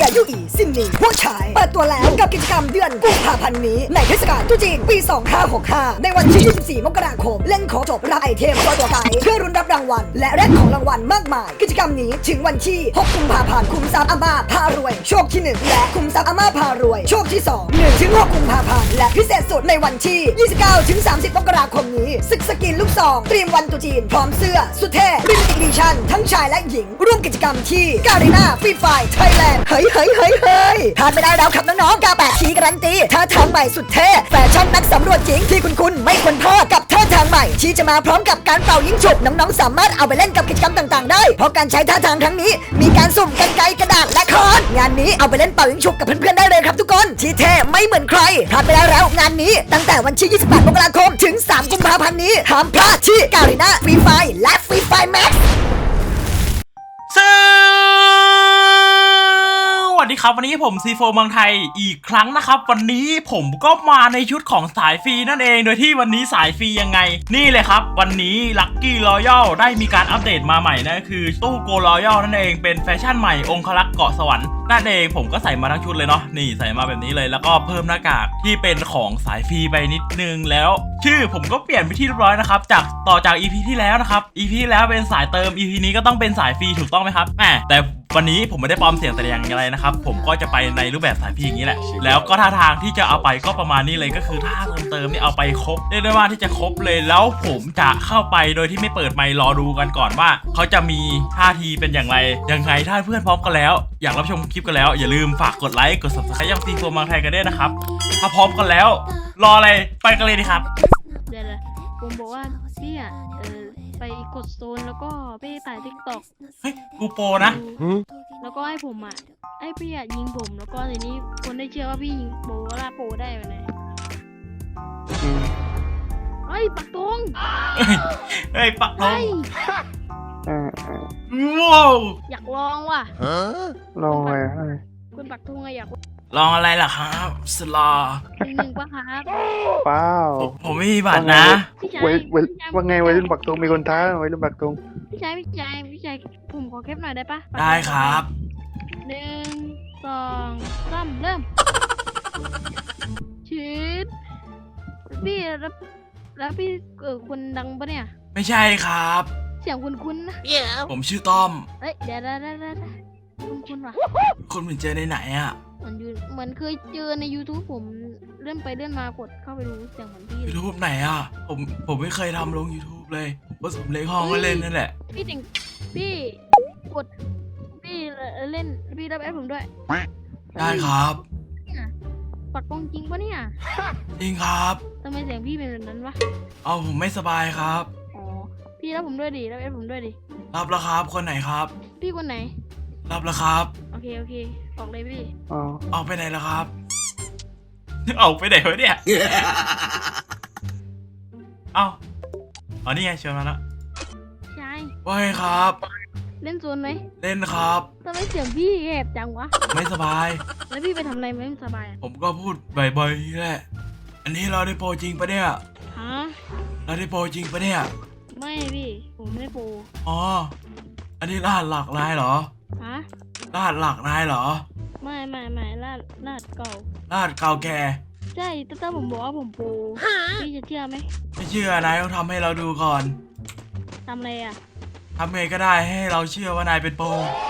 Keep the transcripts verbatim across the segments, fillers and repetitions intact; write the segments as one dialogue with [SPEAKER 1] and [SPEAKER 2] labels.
[SPEAKER 1] ายุอีซินนีผู้ชายเปิดตัวแล้วกับกิจกรรมเดือนกุมภาพันธ์นี้ในเทศกาลตรุษจีนปีสองพันห้าร้อยหกสิบห้าในวันที่ยี่สิบสี่มกราคมเล่นขอจบรับไอเทมตัวตัวไก่เพื่อรุนรับรางวัลและแลกของรางวัลมากมายกิจกรรมนี้ถึงวันที่หกกุมภาพันธ์คุมทรัพย์อาม่าพารวยโชคที่หนึ่งและคุมทรัพย์อาม่าพารวยโชคที่สอง หนึ่งถึงหกกุมภาพันธ์และพิเศษสุดในวันที่ยี่สิบเก้าถึงสามสิบมกราคมนี้ศึกสกินลูกซองเตรียมวันตรุษจีนพร้อมเสื้อสุดเท่ลิมิเต็ดอีดิชั่นทั้งชายและหญิงร่วมกิจกรรมที่การีนาฟรีไฟไทยแลนด์เฮ้ยเฮ้ยเฮ้ยเฮ้ยพลาดไม่ได้แล้วครับน้องๆกาแปดทีการันตีท่าทางใหม่สุดเท่แฟชั่นนักสำรวจหญิงที่คุณคุณไม่ควรพลาดกับท่าทางใหม่ที่จะมาพร้อมกับการเป่ายิงฉุบน้องๆสามารถเอาไปเล่นกับกิจกรรมต่างๆได้เพราะการใช้ท่าทางครั้งนี้มีการสุ่มกรรไกรกระดาษและค้อนงานนี้เอาไปเล่นเป่ายิงฉุบกับเพื่อนๆได้เลยครับทุกคนที่เท่ไม่เหมือนใครพลาดไม่ได้แล้วงานนี้ตั้งแต่วันที่ยี่สิบแปดมกราคมถึงสามกุมภาพันธ์นี้ห้ามพลาดที่การีนาฟรีไฟและฟรีไฟแม็กซ์
[SPEAKER 2] สวัสดีครับวันนี้ผมซีโฟเมืองไทยอีกครั้งนะครับวันนี้ผมก็มาในชุดของสายฟรีนั่นเองโดยที่วันนี้สายฟรียังไงนี่เลยครับวันนี้ Lucky Royal ได้มีการอัปเดตมาใหม่นะคือตู้โกรอยัลนั่นเองเป็นแฟชั่นใหม่องครักษ์เกาะสวรรค์นั่นเองผมก็ใส่มาทั้งชุดเลยเนาะนี่ใส่มาแบบนี้เลยแล้วก็เพิ่มหน้ากากที่เป็นของสายฟรีไปนิดนึงแล้วชื่อผมก็เปลี่ยนไปที่เรียบร้อยนะครับจากต่อจาก อี พี ที่แล้วนะครับ อี พี ที่แล้วเป็นสายเติม อี พี นี้ก็ต้องเป็นสายฟรีถูกต้องไหมครับแหมแต่วันนี้ผมไม่ได้ปลอมเสียงแต่อย่างไรนะครับผมก็จะไปในรูปแบบสายฟรีอย่างนี้แหละแล้วก็ท่าทางที่จะเอาไปก็ประมาณนี้เลยก็คือท่าเติมเติมนี่เอาไปครบเรียกได้ว่าที่จะครบเลยแล้วผมจะเข้าไปโดยที่ไม่เปิดไมค์รอดูกันก่อนว่าเขาจะมีท่าทีเป็นอย่างไรยังไงถ้าเพื่อนพร้อมกันแล้วอยากรับชมคลิปกันแล้วอย่าลืมฝากกดไลค์กด ซับสไครบ์ ยังซีโฟเมืองไทยกันด้วยนะครับถ้าพร้อมกันแล้วรออะไรไปกันเลยดีครับ
[SPEAKER 3] เดี๋ยวเลยผมบอกว่าพี่อ่ะเออไปกดโซนแล้วก็ไปถ่ายทิกตอก
[SPEAKER 2] เฮ้ยกูโปรนะ
[SPEAKER 3] แล้วก็ให้ผมอ่ะไอ้พี่อ่ะยิงผมแล้วก็ทีนี้คนได้เชื่อว่าพี่ยิงโปล่าโปได้ไหมเฮ้ยปักธง
[SPEAKER 2] เฮ้ยปักธง
[SPEAKER 3] ว้าวอยากลองว่ะ
[SPEAKER 4] ลองอะไร
[SPEAKER 3] คุณปักธงอะอยาก
[SPEAKER 2] ลองอะไรล่ะครับสลอ
[SPEAKER 3] หนึ่งหนึ่งป่ะครับ
[SPEAKER 4] เปล่า
[SPEAKER 2] ผมไม่มีบัตรนะ
[SPEAKER 4] ไว้ว่าไงไว้รุ่นปักธงมีคนท้าไว้รุ่นปักธง
[SPEAKER 3] พี่ชายพี่ชายพี่ชายผมขอแคปหน่อยได้ปะ
[SPEAKER 2] ได้ครับ
[SPEAKER 3] หนึ่งสองสามเริ่มชีดพี่แล้วแล้วพี่เออคนดังปะเนี่ย
[SPEAKER 2] ไม่ใช่ครับ
[SPEAKER 3] เสียงคุณคุณนะ
[SPEAKER 2] ผมชื่อต้อม
[SPEAKER 3] เอ้ยเดี๋ยวเดี๋ยวเดี๋ยวคุณคุณวะ
[SPEAKER 2] คุณเหมือนเจอในไหนอ่ะ
[SPEAKER 3] เหมือนอยู่เหมือนเคยเจอใน YouTube ผมเลื่อนไปเลื่อนมากดเข้าไปดูเสียงเหมือนพี่
[SPEAKER 2] YouTube ไหนอ่ะผมผมไม่เคยทำลง YouTube เลยผมก็สมเล็กห้องก็เล่นนั่นแหละ
[SPEAKER 3] พี่จริงพี่กดพี่เล่นพี่รับแอดผมด้วย
[SPEAKER 2] ได้ครับ
[SPEAKER 3] ปักตรงจริงปะเนี่ย
[SPEAKER 2] จริงครับ
[SPEAKER 3] ทำไมเสียงพี่เป็นแบบนั้นวะ
[SPEAKER 2] เอาผมไม่สบายครับ
[SPEAKER 3] อ๋อพี่รับผมด้วยดิรับแอดผมด้วยดิ
[SPEAKER 2] รับแล้วครับคนไหนครับ
[SPEAKER 3] พี่คนไหน
[SPEAKER 2] รับแล้วครับ
[SPEAKER 3] โอเคโอเคออกเลยพี่
[SPEAKER 4] อ๋อ
[SPEAKER 2] ออกไปไหนแล้วครับออกไปไหนวะเนี่ยเอ้าอ๋อนี่ไงเชิญมาแล้ว
[SPEAKER 3] ใช่
[SPEAKER 2] ว่าไงครับ
[SPEAKER 3] เล่นโซนไหม
[SPEAKER 2] เล่นครับ
[SPEAKER 3] ทำไมเสียงพี่แหบจังวะ
[SPEAKER 2] ไม่สบาย
[SPEAKER 3] แล้วพี่ไปทำอะไรไม่สบาย
[SPEAKER 2] ผมก็พูดบ่อยๆแหละอันนี้เราได้โปรจริงปะเนี่ย
[SPEAKER 3] ฮะ
[SPEAKER 2] เราได้โปรจริงปะเนี่ย
[SPEAKER 3] ไม่พี่ผมไม่ได้โปร
[SPEAKER 2] อ๋ออันนี้รหัสหลักนายเหรอ
[SPEAKER 3] ฮะ
[SPEAKER 2] รหัสหลักนายเหรอ
[SPEAKER 3] ไม่ไม่ไม่รหัสรหัสเก่าร
[SPEAKER 2] หัสเก่าแก่
[SPEAKER 3] ใช่แต่ถ้าผมบอกว่าผมโปรพี่จะเชื่อไหม
[SPEAKER 2] ไม่เชื่อนายต้องทำให้เราดูก่อน
[SPEAKER 3] ทำอะไรอ่ะ
[SPEAKER 2] ทำไงก็ได้ให้เราเชื่อว่านายเป็นโปร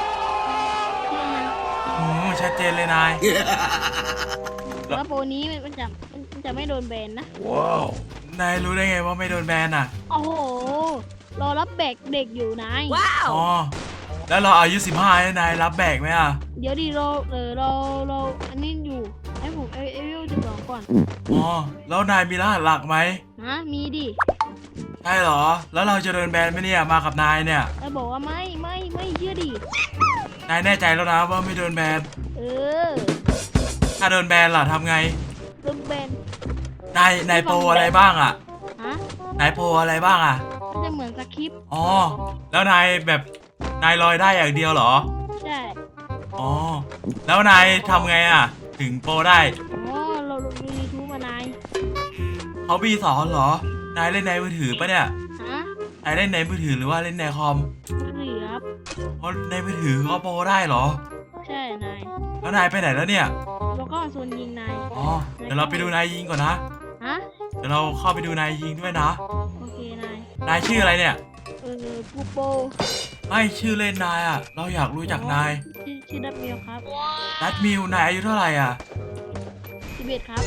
[SPEAKER 2] โอ้ชัดเจนเลยนาย
[SPEAKER 3] แล้วโปรนี้มันจะมันจะไม่โดนแบนนะ
[SPEAKER 2] ว้าวนายรู้ได้ไงว่าไม่โดนแบนอ่ะ
[SPEAKER 3] โอ้โหรอรับแบกเด็กอยู่นาย
[SPEAKER 2] ว้าวอ๋อแล้วเราอายุสิบห้านายรับแบกไหมอ่ะ
[SPEAKER 3] เดี๋ยวดิเราเออเราเราอันนี้อยู่ให้ผมเอเอวิลจะบอกก่อน
[SPEAKER 2] อ๋อแล้วนายมีรหัสหลักไหม
[SPEAKER 3] ฮะมีดิ
[SPEAKER 2] ใช่เหรอแล้วเราจะโดนแบนไหมเนี่ยมากับนายเนี่ย
[SPEAKER 3] เราบอกว่าไม่ไม่ไม่เชื่อดิ
[SPEAKER 2] นายแน่ใจแล้วนะว่าไม่โดนแบน
[SPEAKER 3] เออ
[SPEAKER 2] ถ้าโดนแบนล่ะทำไง
[SPEAKER 3] โดนแบน
[SPEAKER 2] นายนายโปรอะไรบ้างอ่ะ
[SPEAKER 3] ฮะ
[SPEAKER 2] นายโปรอะไรบ้างอ่ะ
[SPEAKER 3] จะเหมือนสคริปต์
[SPEAKER 2] อ๋อแล้วนายแบบนายลอยได้อย่างเดียวเหรอ
[SPEAKER 3] ใช่
[SPEAKER 2] อ๋อแล้วนายทำไงอ่ะถึงโปรได้
[SPEAKER 3] อ๋อเราดูยูทูบมานาย
[SPEAKER 2] เขาบีสอนเหรอนายเล่นในมือถือปะเนี่ย
[SPEAKER 3] ฮะ
[SPEAKER 2] นายเล่นในมือถือหรือว่าเล่นในคอม
[SPEAKER 3] มือถือครับ
[SPEAKER 2] เพราะในมือถือก็โปรได้เหรอ
[SPEAKER 3] ใช่นาย
[SPEAKER 2] แล้วนายไปไหนแล้วเนี่ย
[SPEAKER 3] แล้วก็โซนยิงนาย
[SPEAKER 2] อ๋อเดี๋ยวเราไปดูนายยิงก่อนนะ
[SPEAKER 3] ฮะ
[SPEAKER 2] เดี๋ยวเราเข้าไปดูนายยิงด้วยนะ
[SPEAKER 3] โอเคนาย
[SPEAKER 2] นายชื่ออะไรเนี่ย
[SPEAKER 3] เออปูโป
[SPEAKER 2] ไม่ชื่อเล่นนายอ่ะเราอยากรู้จักนาย
[SPEAKER 3] ชื่อชื่อดับเบิลครับ
[SPEAKER 2] นัดมิวนายอายุเท่าไหร่อ่ะ
[SPEAKER 3] สิบเอ็ดครับ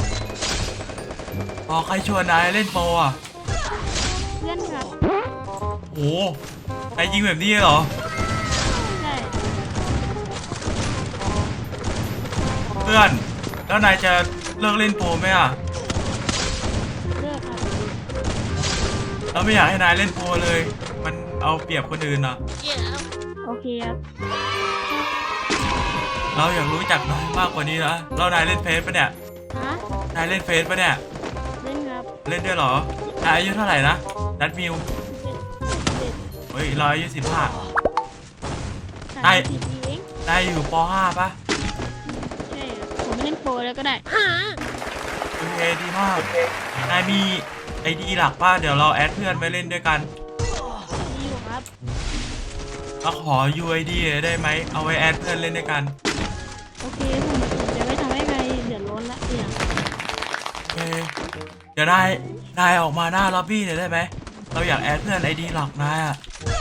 [SPEAKER 2] พอใครชวนนายเล่นโปรอ่ะ
[SPEAKER 3] เพื่อนครับ
[SPEAKER 2] โอ้นายยิงแบบนี้เหรอ
[SPEAKER 3] ใช่
[SPEAKER 2] เพื่อนแล้วนายจะเลิกเล่นโปรไหมอ่ะ
[SPEAKER 3] เลิกครับ
[SPEAKER 2] เราไม่อยากให้นายเล่นโปรเลย มันเอาเปรียบคนอื่นอ่ะ
[SPEAKER 3] โอเคครับ
[SPEAKER 2] เราอยากรู้จักนายมากกว่านี้นะเรานายเล่นเฟซปะเนี่ย
[SPEAKER 3] ฮะ
[SPEAKER 2] นายเล่นเฟซปะเนี่ย
[SPEAKER 3] เล่นครับ
[SPEAKER 2] เล่นด้วยเหรอนายอายุเท่าไหร่นะนัดมิว
[SPEAKER 3] สิบเอ็ด
[SPEAKER 2] เฮ้ยเราอายุสิบห้า
[SPEAKER 3] สาม
[SPEAKER 2] ไอ้
[SPEAKER 3] สิบปีเอง
[SPEAKER 2] นายอยู่ป ห้าปะ
[SPEAKER 3] ใช่ครับผมไม่เล่นโปรแล้วก็ได้
[SPEAKER 2] โอเคดีมาก นายมีไอดีหลักป่ะเดี๋ยวเราแอดเพื่อนไปเล่นด้วยกัน
[SPEAKER 3] ดีอยู่ครับ
[SPEAKER 2] เราขอ ยู ไอ ดี ได้ไหม เอาไว้แอดเพื่อนเล่นด้วยกัน
[SPEAKER 3] โอเคผมผมจะไม่ทำให้ใครเดือดร้อนละเนี่ย
[SPEAKER 2] โอเค เดี๋ยวนาย นายออกมาหน้าล็อบบี้หน่อยได้ไหม เราอยากแอดเพื่อนไอดีหลักนายอะ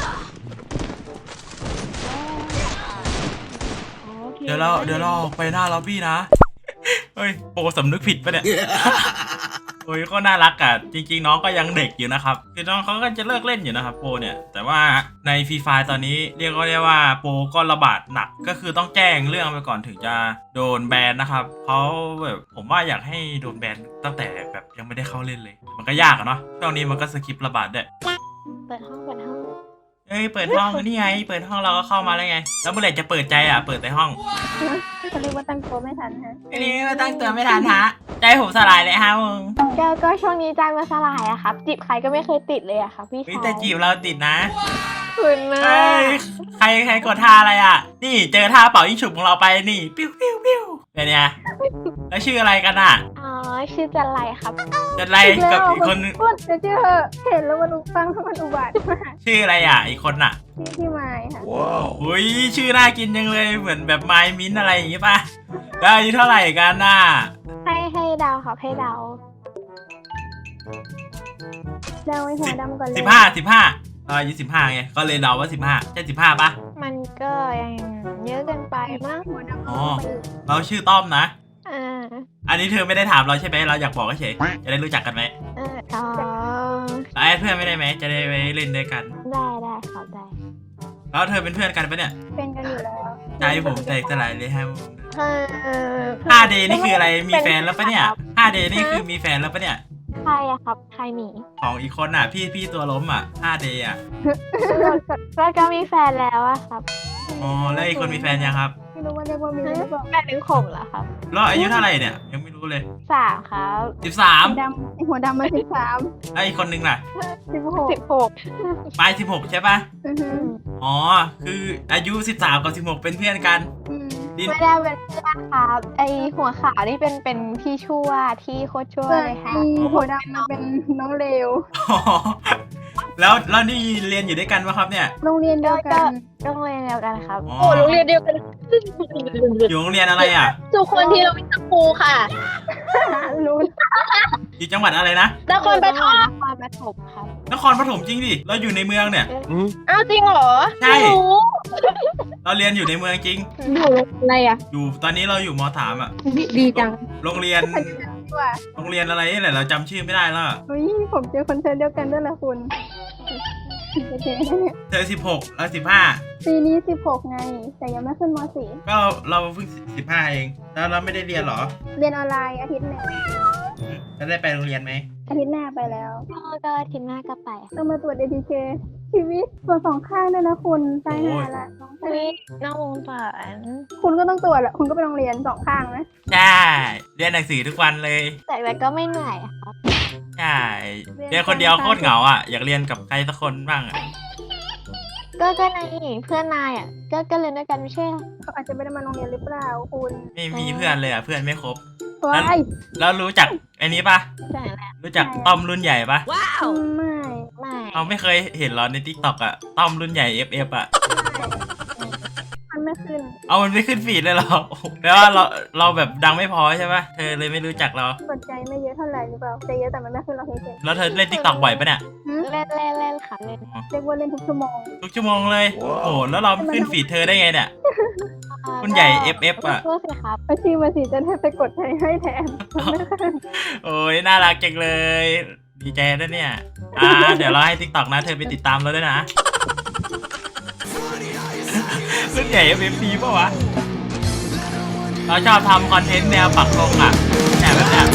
[SPEAKER 3] อ๋อโอเค
[SPEAKER 2] เดี๋ยวเรา เดี๋ยวเราออกไปหน้าล็อบบี้นะ เฮ้ย โปรสำนึกผิดปะเนี่ย โอ้ยก็น่ารักอะจริงๆน้องก็ยังเด็กอยู่นะครับคือน้องเขาก็จะเลิกเล่นอยู่นะครับโปรเนี่ยแต่ว่าในฟรีไฟตอนนี้เรียกก็เรียกว่าโปรก็ระบาดหนักก็คือต้องแจ้งเรื่องไปก่อนถึงจะโดนแบนนะครับเขาแบบผมว่าอยากให้โดนแบนตั้งแต่แบบยังไม่ได้เข้าเล่นเลย มันก็ยากอะเนาะช่วงนี้มันก็สคริปต์ระบาดด้วย
[SPEAKER 3] เปิดห้องเปิดห้อง
[SPEAKER 2] เอ้ยเปิดห้องนี่ไงเปิดห้องเราก็เข้ามาแล้วไงแล้วเมื่อไหร่จะเปิดใจอ่ะเปิดในห้อง
[SPEAKER 5] เขาเรียกว่าตั้งตัวไม่ทันฮะ
[SPEAKER 2] อันนี้มาตั้งตัวไม่ทันฮะใจผมสลายเลยฮะมึง
[SPEAKER 5] ก็ก็ช่วงนี้ใจมาสลายอะครับจีบใครก็ไม่เคยติดเลยอะครับพี่
[SPEAKER 2] เฮ้ย
[SPEAKER 5] ชาย
[SPEAKER 2] แต่จีบเราติดนะ
[SPEAKER 5] คุณนะ
[SPEAKER 2] เฮ้ยใครใครกดท่าอะไรอ่ะ นี่เจอท่าเป่ายิ่งฉุบของเราไปนี่ปิ้วปิ้วปิ้วเป็นไงแล้วชื่ออะไรกันอ่ะ
[SPEAKER 5] อ๋อชื่อจันไรครับ
[SPEAKER 2] จะไรกับอีกคนนึง
[SPEAKER 5] พูดจะชื่อเห็นแล้วมันอุฟังแล้วมันอุบาทมาก
[SPEAKER 2] ชื่ออะไรอ่ะอีกคนอ่ะ
[SPEAKER 5] ชื่อพี่ไม้ค่ะ
[SPEAKER 2] อุ้ยชื่อน่ากินจังเลยเหมือนแบบไมมิ้นอะไรอย่างงี้ป่ะแล้วอายุเท่าไหร่กันน่ะ
[SPEAKER 5] ให้ให้เดาวครับให้เดาวเดาวไอ้หัวดำก่อนเลย
[SPEAKER 2] สิบห้าสิบห้าเราอายุสิบห้าไงก็เลยเดาว่าสิบห้าใช่สิบห้าป่ะ
[SPEAKER 5] มันก็ยังเยอะเกินไปมั้งหัวดำ
[SPEAKER 2] อ๋อ เราชื่อต้อมนะ
[SPEAKER 5] อ่า
[SPEAKER 2] อันนี้เธอไม่ได้ถามเราใช่ไหมเราอยากบอกเฉยจะได้รู้จักกันไหม
[SPEAKER 5] เอออ๋อ
[SPEAKER 2] แล้วแอดเพื่อนไม่ได้ไหมจะได้ไปเล่นด้วยกัน
[SPEAKER 5] ได้ได้ครับได้
[SPEAKER 2] แล้วเธอเป็นเพื่อนกันปะเนี่ย
[SPEAKER 5] เป็นกันอยู่แล้ว
[SPEAKER 2] ใจผมแตกสลายเลยฮะ
[SPEAKER 5] เออ
[SPEAKER 2] ห้าเดย์นี่คืออะไรมีแฟนแล้วปะเนี่ยห้าเดย์นี่คือมีแฟนแล้วปะเนี่ย
[SPEAKER 5] ใครอะครับใครหมี
[SPEAKER 2] ของอีกคนอ่ะพี่พี่ตัวล้มอ่ะห้าเดย์อ่ะ
[SPEAKER 5] ก็ก็มีแฟนแล้วอะครับ
[SPEAKER 2] อ๋อแล้วอีกคนมีแฟนยังครับ
[SPEAKER 5] ไม่รู้ว่าเรียกว่ามีหรือเปล่าแปดหรือขมเหรอครับ
[SPEAKER 2] แล้วอายุเท่าไหร่เนี่ยยังไม่รู้เลย
[SPEAKER 5] สามครับ
[SPEAKER 2] สิบสาม
[SPEAKER 5] ดำไอหัวดำมาสิบสาม
[SPEAKER 2] แล้วอีกคนนึงล่ะ
[SPEAKER 5] สิบหกสิบหก
[SPEAKER 2] ปลายสิบหกใช่ปะอ๋อคืออายุสิบสามกับสิบหกเป็นเพื่อนกันดิน
[SPEAKER 5] ไม่ได้เป็นเพื่อนครับไอหัวขาวนี่เป็นเป็นพี่ชั่วที่โคตรชั่วเลยค่ะ
[SPEAKER 6] หัวดำมันเป็นน้องเลว
[SPEAKER 2] อ๋อแล้วแล้วนี่เรียนอยู่ด้วยกันปะครับเนี่ย
[SPEAKER 6] โรงเรียนเดี
[SPEAKER 5] ก็
[SPEAKER 6] ยว
[SPEAKER 5] ก็
[SPEAKER 6] กัน
[SPEAKER 5] โรงเรียนเดียวกันครับ
[SPEAKER 2] อ๋อ
[SPEAKER 7] โอ้โรงเรียนเดียวกัน
[SPEAKER 2] อยู่โรงเรียนอะไรอ่ะ
[SPEAKER 7] ทุกคนที่เราวิชาครูค่ะ
[SPEAKER 6] รู้
[SPEAKER 2] อยู่จังหวัดอะไรนะ
[SPEAKER 7] นครปฐม
[SPEAKER 5] นครปฐมครับ
[SPEAKER 2] นครปฐมจริงดิเราอยู่ในเมืองเนี่ย
[SPEAKER 7] อ้าวจริงเหรอ
[SPEAKER 2] ใช่
[SPEAKER 7] ไม่รู้
[SPEAKER 2] เราเรียนอยู่ในเมืองจริง
[SPEAKER 7] อยู่อะไรอ่ะ
[SPEAKER 2] อยู่ตอนนี้เราอยู่มสามอ่ะ
[SPEAKER 7] ดีดีจัง
[SPEAKER 2] โรงเรียน
[SPEAKER 6] ว่า
[SPEAKER 2] โรงเรียนอะไรนี่แหละเราจำชื่อไม่ได้แล้วอะ
[SPEAKER 6] เฮ้ยผมเจอคนเทนเดียวกันด้วยละคุณโอเค
[SPEAKER 2] เธอสิบหกแล้วสิบห้า
[SPEAKER 6] ปีนี้สิบหกไง แต่ยังไม่ขึ้นม .สี่
[SPEAKER 2] ก็เราเพิ่งสิบห้าเอง แล้วเราไม่ได้เรียนเหรอ
[SPEAKER 6] เรียนออนไลน์อาทิตย์หนึ่ง
[SPEAKER 2] จะได้ไปโรงเรียนไหม
[SPEAKER 6] อาทิตย์หน้าไปแล้ว
[SPEAKER 5] ก็ก็อาทีหน้าก็ไป
[SPEAKER 6] ต้องมาตรวจ เอ ที เค ชีวิตตรวจสองข้างด้วยนะคุณตายห่าละสองข้าง
[SPEAKER 5] นี่นอกวงการ
[SPEAKER 6] คุณก็ต้องตรวจแหละคุณก็ไปโรงเรียนสองข้างนะ
[SPEAKER 2] ใช่เรียนหนังสือทุกวันเลย
[SPEAKER 5] แต่แต่ก็ไม่เหนื่อยอะครับ
[SPEAKER 2] ใช่เรียนคนเดียวโคตรเหงาอ่ะอยากเรียนกับใครสักคนบ้างอ่ะ
[SPEAKER 5] ก็ก็นายเพื่อนนายอ่ะก็ก็เรียนด้วยกันไม่ใช่เหรอ
[SPEAKER 6] เขาอาจจะไม่ได้มาโรงเรียนหรือเปล่าคุณ
[SPEAKER 2] ไม่มีเพื่อนเลยอ่ะเพื่อนไม่ครบ
[SPEAKER 6] ว้าย
[SPEAKER 2] แล้วรู้จักไอ้นี้ปะ
[SPEAKER 5] ใช่แหละ
[SPEAKER 2] รู้จักต้อมรุ่นใหญ่ปะ
[SPEAKER 6] ไม่
[SPEAKER 5] ไม่
[SPEAKER 2] เราไม่เคยเห็นหรอในทิกตอกอ่ะต้อมรุ่นใหญ่ เอฟ เอฟ อ่ะ
[SPEAKER 6] มันมันไม่ขึ้น
[SPEAKER 2] เอามันไม่ขึ้นฟีดเลยเหรอแปลว่าเราเราแบบดังไม่พอใช่ปะเธอเลยไม่รู้จักเรา
[SPEAKER 6] กดใจไม่เยอะเท่าไหร่หรือเปล่าใจเยอะแต่มันไม่ขึ้นเราเฉย
[SPEAKER 2] แล้วเธอเล่นติ๊กต็อกบ่อยปะเนี่ย
[SPEAKER 6] ๆหืม
[SPEAKER 5] เล่นเล่นเล่นค่ะเล่น
[SPEAKER 6] เรียกว่าเล่นทุกชั่วโมง
[SPEAKER 2] ทุกชั่วโมงเลยโอ้โหแล้วเราขึ้นฟีดเธอได้ไงเนี่ยคุณใหญ่ เอฟ เอฟ อ่ะ
[SPEAKER 5] ช่วยสิครับ
[SPEAKER 6] อาชีพมาสิจะได้ไปกดใจให้แทนมันไม่ขึ้น
[SPEAKER 2] โอ้ยน่ารักจังเลย ดีใจนะเนี่ยอ่าเดี๋ยวเราให้ติ๊กต็อกนะเธอไปติดตามเราด้วยนะรุ่นใหญ่ เอฟ เอฟ พีป่ะวะเราชอบทำคอนเทนต์แนวปักธงอ่ะแบบแบบเนี้ย
[SPEAKER 6] คน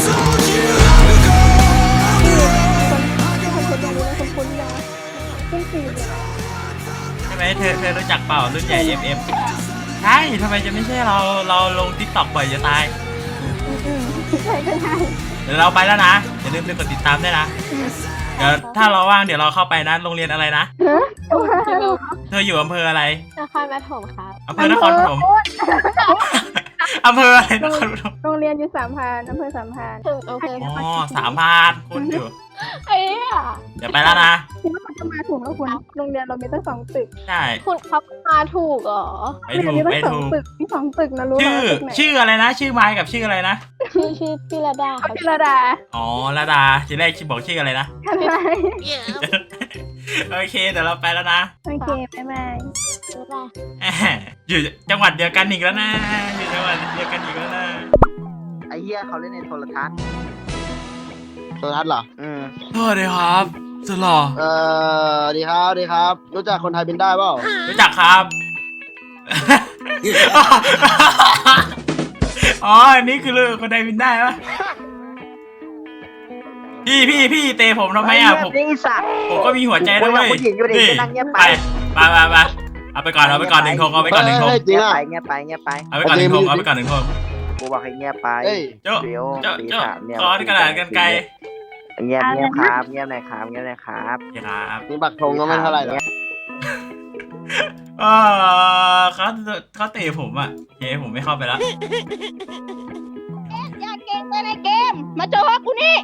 [SPEAKER 6] ที่คนเป็นอย่างนี้คนคุ้นๆนะขึ้นฟีดเลยนะ
[SPEAKER 2] ใช่ไหมเธอเธอรู้จักเปล่ารุ่นใหญ่ เอฟ เอฟ ใช่ทำไมจะไม่ใช่เราเราลงติ๊กต็อกบ่อยจะตาย
[SPEAKER 6] อืมๆใช่ก็ได้
[SPEAKER 2] เดี๋ยวเราไปแล้วนะอย่าลืมไปกดติดตามด้วยนะเดี๋ยวถ้าเราว่างเดี๋ยวเราเข้าไปนะโรงเรียนอะไรนะ
[SPEAKER 6] ฮะว่า
[SPEAKER 2] เธออยู่อำเภออะไร
[SPEAKER 5] นครปฐมครับ
[SPEAKER 2] อำเภอนครปฐมอำเภออะไรนครปฐม
[SPEAKER 6] โรงเรียนอยู่สามพรานอำเภอสามพราน
[SPEAKER 5] ถึงโอเค
[SPEAKER 2] อ๋อสามพันคุณอยู่
[SPEAKER 5] เอ้ยอ่ะ
[SPEAKER 2] เดี๋ยวไปแล้วนะ
[SPEAKER 6] คิดว่ามันจะมาถูกแล้วคุณโรงเรียนเรามีตั้งสองตึก
[SPEAKER 2] ใช่
[SPEAKER 5] คุณเขามาถูกเหรอ
[SPEAKER 2] ไป
[SPEAKER 6] โรง
[SPEAKER 2] ถู
[SPEAKER 6] เรียน
[SPEAKER 2] ก
[SPEAKER 6] มีตั้
[SPEAKER 2] ไป
[SPEAKER 6] งสอง
[SPEAKER 2] ถูก
[SPEAKER 6] ตึกมีสองตึกนะรู้ไหม
[SPEAKER 2] ชื่อ
[SPEAKER 6] ว่าตึกไหน
[SPEAKER 2] ชื่ออะไรนะ ชื่อไม้กับชื่ออะไรนะ
[SPEAKER 5] ชื่อชื่อพี่ระดาค
[SPEAKER 6] เขา
[SPEAKER 5] รับ
[SPEAKER 6] พิรดา
[SPEAKER 2] อ๋อระดาทีแรกชื่อบอกชื่ออะไรนะ
[SPEAKER 6] อะไร
[SPEAKER 2] โอเคเดี๋ยวเราไปแล้วนะ
[SPEAKER 6] โอเคบ๊ายบาย
[SPEAKER 5] รู้ป่ะ
[SPEAKER 2] แหมอยู่จังหวัดเดียวกันอีกแล้วนะอยู่จังหวัดเดียวกันอีกแล้วนะ
[SPEAKER 8] ไอ้เหี้ยเขาเล่นในโทรทัศน์
[SPEAKER 4] โซนัสเหรอ
[SPEAKER 8] อืม
[SPEAKER 2] สวัสดีครับสุดหล่อ
[SPEAKER 4] เอ่อดีครับดีครับ รู้จักคนไทยเป็นได้เปล่า
[SPEAKER 2] รู้จักครับ อ๋ออันนี้คือเรื่องคนใดบินได้ปะพี่พี่พี่เตะผมทำไมอ่ะผม
[SPEAKER 8] นี่สัตว์
[SPEAKER 2] ผมก็มีหัวใจด้วย
[SPEAKER 8] โอ้ยผู้หญิงอยู่ดิ
[SPEAKER 2] นี่
[SPEAKER 8] ไปนั่งเงียบ
[SPEAKER 2] ไป
[SPEAKER 8] ไป
[SPEAKER 2] ไปไปไปเอาไปก่อนเอาไปก่อนหนึ่งทงเอาไปก่อนหนึ่งทง
[SPEAKER 4] เฮ้ยจริ
[SPEAKER 8] เงี
[SPEAKER 4] ง
[SPEAKER 8] ยบ
[SPEAKER 4] อ่ะ
[SPEAKER 8] ไปเงียบไปเงียบไป
[SPEAKER 2] เอาไปก่อนหนึ่งทงเอาไปก่อนหนึ่งทง
[SPEAKER 8] กูบอกให้เงียบไป
[SPEAKER 4] เฮ้ย
[SPEAKER 2] เจ้า
[SPEAKER 8] เดี๋ยว
[SPEAKER 2] เจ้า
[SPEAKER 8] สี
[SPEAKER 2] เจ้า
[SPEAKER 8] ขาวเนี่ย
[SPEAKER 2] ก้อนกระดาษกันไกล
[SPEAKER 8] เงียบเงียบครับเงียบหน่อยครับเงียบหน่อยครับ
[SPEAKER 2] ครับ
[SPEAKER 4] นี่บักธงก็ไม่เท่าไหร่หรอก
[SPEAKER 2] เออเขาเขาเตะผมอ่ะโอเคผมไม่เข้าไปแล้ว
[SPEAKER 7] อย่าเก่งไปในเกม มาเจอกูนี่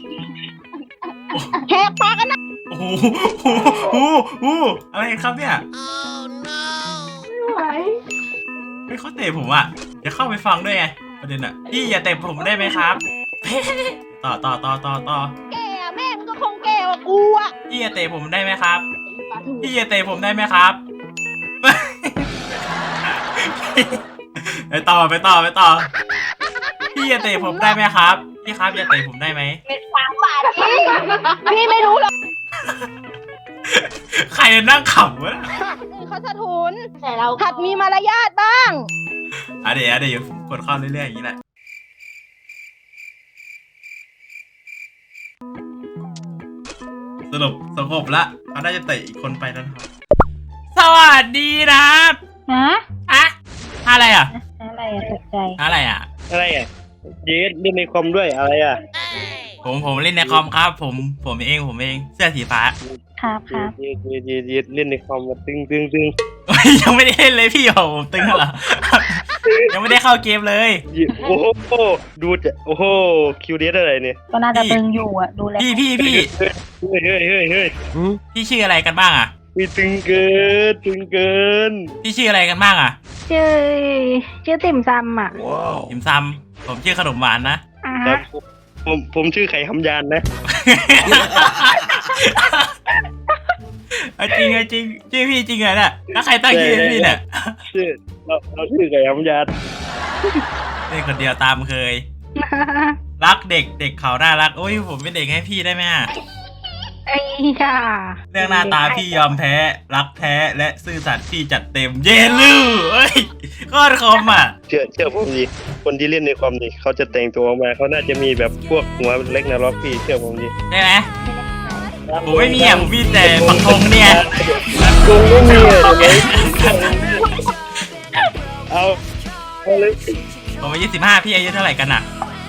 [SPEAKER 7] แหกปากกันนะ
[SPEAKER 2] โอ้โหโอ้โหโอ้โหอะไรครับเนี่ย
[SPEAKER 6] ไม่ไหว
[SPEAKER 2] ไม่เขาเตะผมอ่ะจะเข้าไปฟังด้วยไงประเด็นอ่ะพี่อย่าเตะผมได้ไหมครับ ต่อต่อต่อต่อต่อ
[SPEAKER 7] แกอะแม่มันก็คงแก่กว่ากูอะ
[SPEAKER 2] พี่อย่าเตะผมได้ไหมครับ พี่อย่าเตะผมได้ไหมครับ ไปต่อไปต่อไปต่อ พี่อย่าเตะผมได้ไหมครับ พี่ครับอย่าเตะผมได้ไหม
[SPEAKER 7] เป็นสามบาทพี่พี่ไม่รู้หรอก
[SPEAKER 2] ใครนั่งขำวะ
[SPEAKER 7] เขาสะทุน
[SPEAKER 5] แต่เรา
[SPEAKER 7] หัดมีมารยาทบ้าง
[SPEAKER 2] อ่ะเดี๋ยวอ่ะเดี๋ยวกดเข้าเรื่อยๆอย่างนี้แหละสรุปสงบละเขาน่าจะเตะอีกคนไปแล้วนะครับสวัสดีนะครับ
[SPEAKER 6] ฮะ
[SPEAKER 2] อะอะไรอ่ะ
[SPEAKER 6] อะไรอะตกใจ
[SPEAKER 2] อะไรอ่ะ
[SPEAKER 9] อะไรอ่ะเยสเล่นในคอมด้วยอะไรอ่ะ
[SPEAKER 2] ผมผมเล่นในคอมครับ ผมผมเองผมเองเสื้อสีฟ้า
[SPEAKER 6] ครับครับ
[SPEAKER 9] เยสเยสเยสเยสเล่นในคอมมาตึงตึงตึง
[SPEAKER 2] ยังไม่ได้เล่นเลยพี่โอ้ผมตึงเหรอ ยังไม่ได้เข้าเกมเลย
[SPEAKER 9] เยสโอ้โหดูจะโอ้โหคิวเดสอะไรเนี่ย
[SPEAKER 6] ก็น่าจะตึงอยู่อ่ะ ดูแล
[SPEAKER 2] พี่พี่พี่
[SPEAKER 9] เฮ้ยเฮ้ยเฮ้ยเฮ้ย
[SPEAKER 2] พี่ชื่ออะไรกันบ้างอ่ะ
[SPEAKER 9] มีตึงเกินตึงเกิน
[SPEAKER 2] พี่ชื่ออะไรกันบ้างอ่ะ
[SPEAKER 6] ชื่อชื่อติ่มซำอ่ะ
[SPEAKER 2] ยิมซำผมชื่อขนมหวานนะ
[SPEAKER 6] อ่า
[SPEAKER 9] ครั
[SPEAKER 6] ฮะ
[SPEAKER 9] บผมผมชื่อไข่คำยานนะ
[SPEAKER 2] เอาจริงเอาจริงชื่อพี่จริงเหรอเนี่ยแล้วใครตั้งชื่อให้พี่เนี่ย
[SPEAKER 9] ชื่อเราเราชื่อไข่คำยาน
[SPEAKER 2] เล่นคนเดียวตามเคย รักเด็กเด็กเขาน่ารักโอ้ยผมเป็นเด็กให้พี่ได้ไหมอะ
[SPEAKER 6] ไอ้ค่ะ
[SPEAKER 2] เรื่องหน้าตาพี่ยอมแพ้ รักแท้และซื่อสัตย์พี่จัดเต็มเยลูเอ้ยโคตรคมอ่ะ
[SPEAKER 9] เชื่อเชื่อผมดิคนที่เล่นในคอมดิเขาจะแต่งตัวออกมาเขาน่าจะมีแบบพวกหัวเล็กนาล็อกพี่เชื่อผมดิ
[SPEAKER 2] ได้ไหมผมไม่มีอ่ะผมมีแต่ปักธงเนี่ย
[SPEAKER 9] คงไม่มีอะเดี๋ยวนี้เอาเอาเลย
[SPEAKER 2] ผมอายุสิบห้าพี่อายุเท่าไหร่กันอ่ะ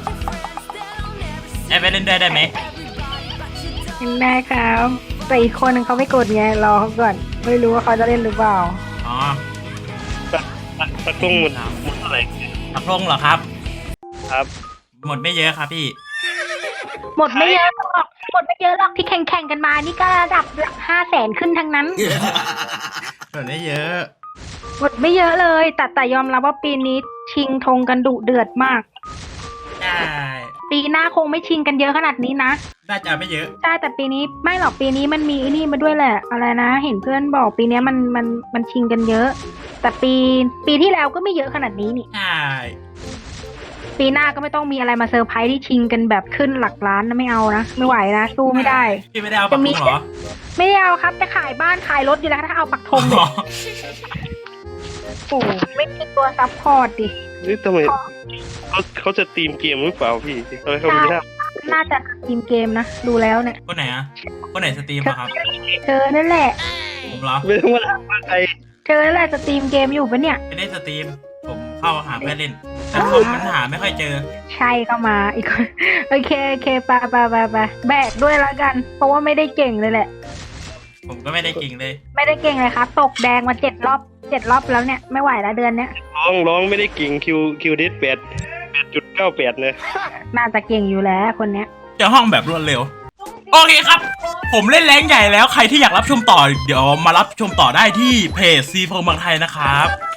[SPEAKER 2] ไอ้ไปเล่นด้วยได้ไหม
[SPEAKER 6] ได้ครับแต่อีกคนนึงเขาไม่กดไงรอเขาก่อน ไม่รู้ว่าเขาจะเล่นหรือเปล่า
[SPEAKER 2] อ๋อ
[SPEAKER 9] ตะกงหมดหมดเท่าไหร่
[SPEAKER 2] ปักธงเหรอครับ
[SPEAKER 9] ครับ
[SPEAKER 2] หมดไม่เยอะครับพี่
[SPEAKER 6] หมดไม่เยอะหรอกหมดไม่เยอะหรอกที่แข่งแข่งๆกันมานี่ก็ระดับหลักห้าแสนขึ้นทั้งนั้น
[SPEAKER 2] หมดไม่เยอะ
[SPEAKER 6] กดไม่เยอะเลย แต่แต่ยอมรับว่าปีนี้ชิงธงกันดุเดือดมาก
[SPEAKER 2] ใช่
[SPEAKER 6] ปีหน้าคงไม่ชิงกันเยอะขนาดนี้นะ
[SPEAKER 2] น่าจะไม่เยอะ
[SPEAKER 6] ใช่แต่ปีนี้ไม่หรอกปีนี้มันมีไอ้นี่มาด้วยแหละ อะไรนะ เห็นเพื่อนบอกปีนี้มันมันมันชิงกันเยอะ แต่ปีปีที่แล้วก็ไม่เยอะขนาดนี้นี่
[SPEAKER 2] ใช่
[SPEAKER 6] ปีหน้าก็ไม่ต้องมีอะไรมาเซอร์ไพรส์ที่ชิงกันแบบขึ้นหลักล้านนะไม่เอานะไม่ไหวนะสู้ไม่ได้
[SPEAKER 2] พี่ไม่ได้เอาปักธงเหรอ
[SPEAKER 6] ไม่ได้เอาครับจะขายบ้านขายรถอยู่แล้วถ้าเอาปักธงเนี่ยโอ้โหไม่มีตัวซัพพอร์ตดิ
[SPEAKER 9] นี่ทำไมเขาเขาจะตีมเกมหรือเปล่าพี่ทำไมเขาไม่ได้
[SPEAKER 6] น่าจะทีมเกมนะดูแล้วเนี่ย
[SPEAKER 2] คนไหนอะคนไหนสตรีมอะครับ
[SPEAKER 6] เธอนั่นแหละ
[SPEAKER 2] ผมเหรอ
[SPEAKER 9] ไม่ต้องมาถามว่าใคร
[SPEAKER 6] เธอนั่นแหละจะทีมเกมอยู่ปะเนี่ย
[SPEAKER 2] ไม่ได้สตรีม ผมเข้าหาเพื่อนเล่นแต่ผมมันหาไม่ค่อยเจอ
[SPEAKER 6] ใช่เข้ามาอีกคน โอเคโอเคไปไปไปไปแบกด้วยละกัน เพราะว่าไม่ได้เก่งเลยแหละ
[SPEAKER 2] ผมก็ไม่ได้เก่งเลย
[SPEAKER 6] ไม่ได้เก่งเลยครับตกแดงมาเจ็ดรอบเจ็ดรอบแล้วเนี่ยไม่ไหวแล้วเดือนเนี้ย
[SPEAKER 9] ร้องร้องไม่ได้เก่งคิวคิวดิสแปดแปดจุดเก้าแปดเลย
[SPEAKER 6] น่าจะเก่งอยู่แล้วคนเนี้ย
[SPEAKER 2] เจอห้องแบบรวดเร็ว โอเคครับ ผมเล่นแรงใหญ่แล้วใครที่อยากรับชมต่อ เดี๋ยวมารับชมต่อได้ที่เพจซีโฟเมืองไทยนะครับ